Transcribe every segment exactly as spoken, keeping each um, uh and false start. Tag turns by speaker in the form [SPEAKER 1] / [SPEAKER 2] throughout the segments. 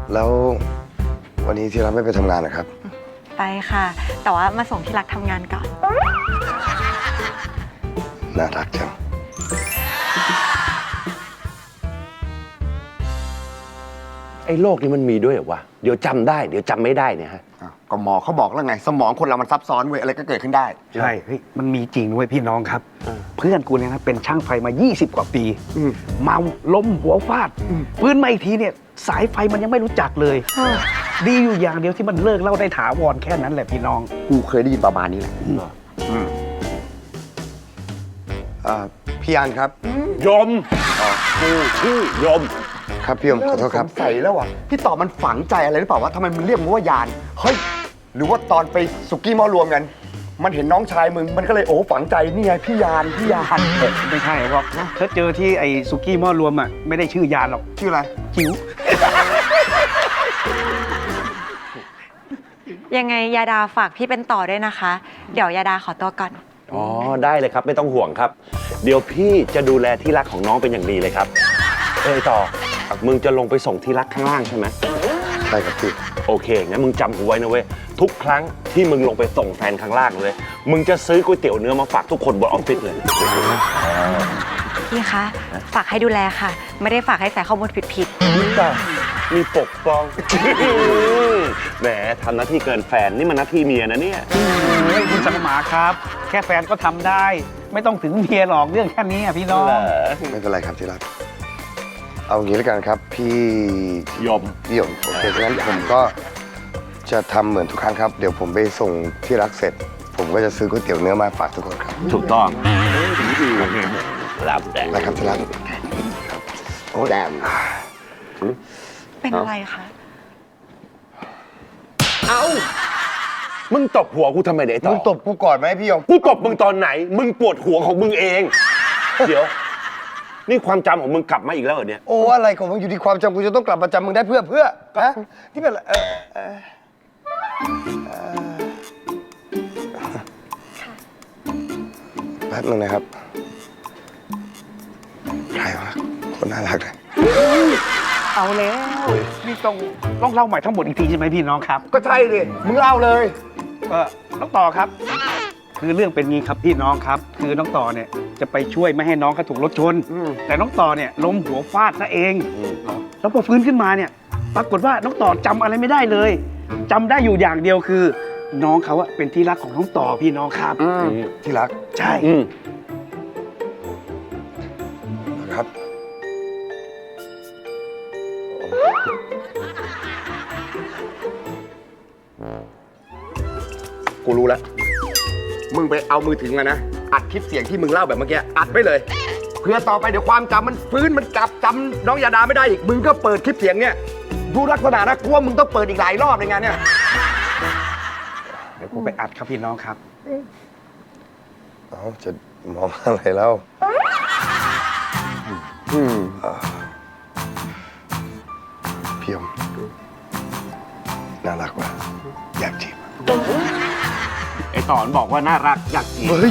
[SPEAKER 1] แล้ววันนี้ที่รักไม่ไปทำงานนะครับ
[SPEAKER 2] ไปค่ะแต่ว่ามาส่งที่รักทำงานก่อน
[SPEAKER 1] น่ารักจัง
[SPEAKER 3] ไอ้โรคนี้มันมีด้วยเหรอวะเดี๋ยวจำได้เดี๋ยวจำไม่ได้เนี่ยฮะ
[SPEAKER 1] ก็หมอเขาบอกแล้วไงสมองคนเรามันซับซ้อนเว้ยอะไรก็เกิดขึ้นได้
[SPEAKER 4] ใช่เฮ้ยมันมีจริงด้วยพี่น้องครับเพื่อนกูเนี่ยนะเป็นช่างไฟมายี่สิบกว่าปีเมาล้มหัวฟาดฟื้นมาอีกทีเนี่ยสายไฟมันยังไม่รู้จักเลยดีอยู่อย่างเดียวที่มันเลิกเล่าได้ถาวรแค่นั้นแหละพี่น้อง
[SPEAKER 1] กูเคยได้ยินประมาณนี้แหละพี่ยานครับ
[SPEAKER 3] ยมกูชื่อยม
[SPEAKER 1] ครับพี่ยมขอโทษครับ
[SPEAKER 5] สงสัยแล้วอ่ะพี่ต่อมันฝังใจอะไรหรือเปล่าวะทำไมมันเรียกมึงว่ายานเฮ้ยหรือว่าตอนไปสุกี้หม้อรวมกันมันเห็นน้องชายมึงมันก็เลยโอ้ฝังใจนี่ไงพี่ยานพี่ยาน
[SPEAKER 4] ไม่ใช่หรอกถ้าเจอที่ไอ้สุกี้หม้อรวมอ่ะไม่ได้ชื่อยานหรอก
[SPEAKER 5] ชื่ออะไร
[SPEAKER 4] จิ๋ว
[SPEAKER 2] ยังไงยาดาฝากพี่เป็นต่อด้วยนะคะเดี๋ยวยาดาขอตัวก่อน
[SPEAKER 3] อ๋อได้เลยครับไม่ต้องห่วงครับเดี๋ยวพี่จะดูแลที่รักของน้องเป็นอย่างดีเลยครับเอ้ยต่อมึงจะลงไปส่งที่รักข้างล่างใช่ไหม
[SPEAKER 1] ใช่ครับพี่
[SPEAKER 3] โอเคงั้นมึงจำกูไว้นะเว้ยทุกครั้งที่มึงลงไปส่งแฟนข้างล่างเลยมึงจะซื้อก๋วยเตี๋ยวเนื้อมาฝากทุกคนบนออฟฟิศเลย
[SPEAKER 2] พี่คะฝากให้ดูแลค่ะไม่ได้ฝากให้ใส่ข้อมูลผิด
[SPEAKER 3] ๆนี่จ้ะมีปกป้องแหมทำหน้าที่เกินแฟนนี่มันหน้าที่เมียนะเนี่ย
[SPEAKER 4] คุณสังหมาครับแค่แฟนก็ทำได้ไม่ต้องถึงเมียหรอกเรื่องแค่นี้พี่น้อง
[SPEAKER 1] ไม่เป็นไรครับที่รักเอางี้แล้วกันครับพี่
[SPEAKER 3] ยม
[SPEAKER 1] พี่ยมโอเคงั้นผมก็จะทำเหมือนทุกครั้งครับเดี๋ยวผมไปส่งที่รักเสร็จผมก็จะซื้อก๋วยเตี๋ยวเนื้อมาฝากทุกคนครับ
[SPEAKER 3] ถูกต้องรับแต่
[SPEAKER 1] นะครับที่รัก
[SPEAKER 3] ครับโอ้แดม
[SPEAKER 2] เป็นอะไรคะ
[SPEAKER 3] เอามึงตบหัวกูทำไมเดี๋ยวต่อ
[SPEAKER 1] มึงตบกูก่อนไหมพี่ยม
[SPEAKER 3] กูตบมึงตอนไหนมึงปวดหัวของมึงเองเดี๋ยวนี่ความจำของมึงกลับมาอีกแล้วเหรอเนี่ย
[SPEAKER 1] โอ้อะไรของมึงอยู่ที่ความจำกูจะต้องกลับมาจำมึงได้เพื่อเพื่อนะที่เป็นเออเออแป๊บนึงนะครับใครวะคนน่ารักเลย
[SPEAKER 4] เอาแล้วนี่ต้องต้องเล่าใหม่ทั้งหมดอีกทีใช่ไหมพี่น้องครับ
[SPEAKER 5] ก็ใช่ดิมึงเล่าเลย
[SPEAKER 4] เออน้องต่อครับคือเรื่องเป็นงี้ครับพี่น้องครับคือน้องต่อเนี่ยจะไปช่วยไม่ให้น้องเขาถูกรถชนแต่น้องต่อเนี่ยล้มหัวฟาดซะเองแล้วพอฟื้นขึ้นมาเนี่ยปรากฏว่าน้องต่อจำอะไรไม่ได้เลยจำได้อยู่อย่างเดียวคือน้องเขาอะเป็นที่รักของน้องต่อพี่น้องครับ
[SPEAKER 1] ที่รัก
[SPEAKER 4] ใช่
[SPEAKER 1] ครับ
[SPEAKER 5] กูรู้แล้วมึงไปเอามือถือมานะอัดคลิปเสียงที่มึงเล่าแบบเมื่อกี้อัดไว้เลยเพื่อต่อไปเดี๋ยวความจำมันฟื้นมันกลับจำน้องยาดาไม่ได้อีกมึงก็เปิดคลิปเสียงเนี่ยดูลักษณะนะกูว่ามึงต้องเปิดอีกหลายรอบในงานเนี่ย
[SPEAKER 4] เดี๋ยวกูไปอัดครับพี่น้องครับ
[SPEAKER 1] เอ้าจะมองอะไรแล้วพี่ยมน่ารักว่ะอยากจีบ
[SPEAKER 3] ไอ้ต่อบอกว่าน่ารักอยากจีบ
[SPEAKER 1] เฮ้ย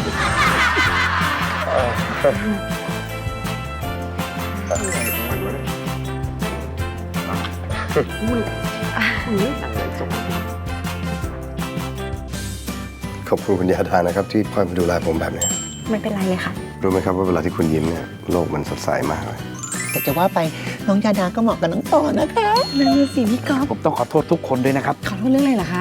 [SPEAKER 1] ขอบคุณคุณยาดานะครับที่คอยมาดูแลผมแบบนี้
[SPEAKER 2] ไม่เป็นไรเลยค่ะ
[SPEAKER 1] รู้ไหมครับว่าเวลาที่คุณยิ้มเนี่ยโลกมันสดใสมากเลย
[SPEAKER 6] แต่จะว่าไปน้องยาดาก็เหมาะกับน้องต่อนะคะ
[SPEAKER 2] นั่นสิพี่ก๊อฟ
[SPEAKER 4] ผมต้องขอโทษทุกคนด้วยนะครับ
[SPEAKER 2] ขอโทษเรื่องอะไรเหรอคะ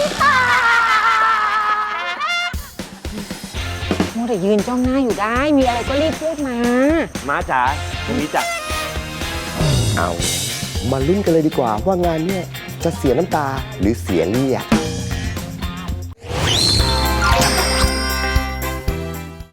[SPEAKER 6] มัวแต่ยืนจ้องหน้าอยู่ได้มีอะไรก็รีบพูดมา
[SPEAKER 3] ม้าจ๋าตรงนี้จ้ะ
[SPEAKER 1] เอามาลุ้นกันเลยดีกว่าว่างานเนี่ยจะเสียน้ำตาหรือเสียเลือด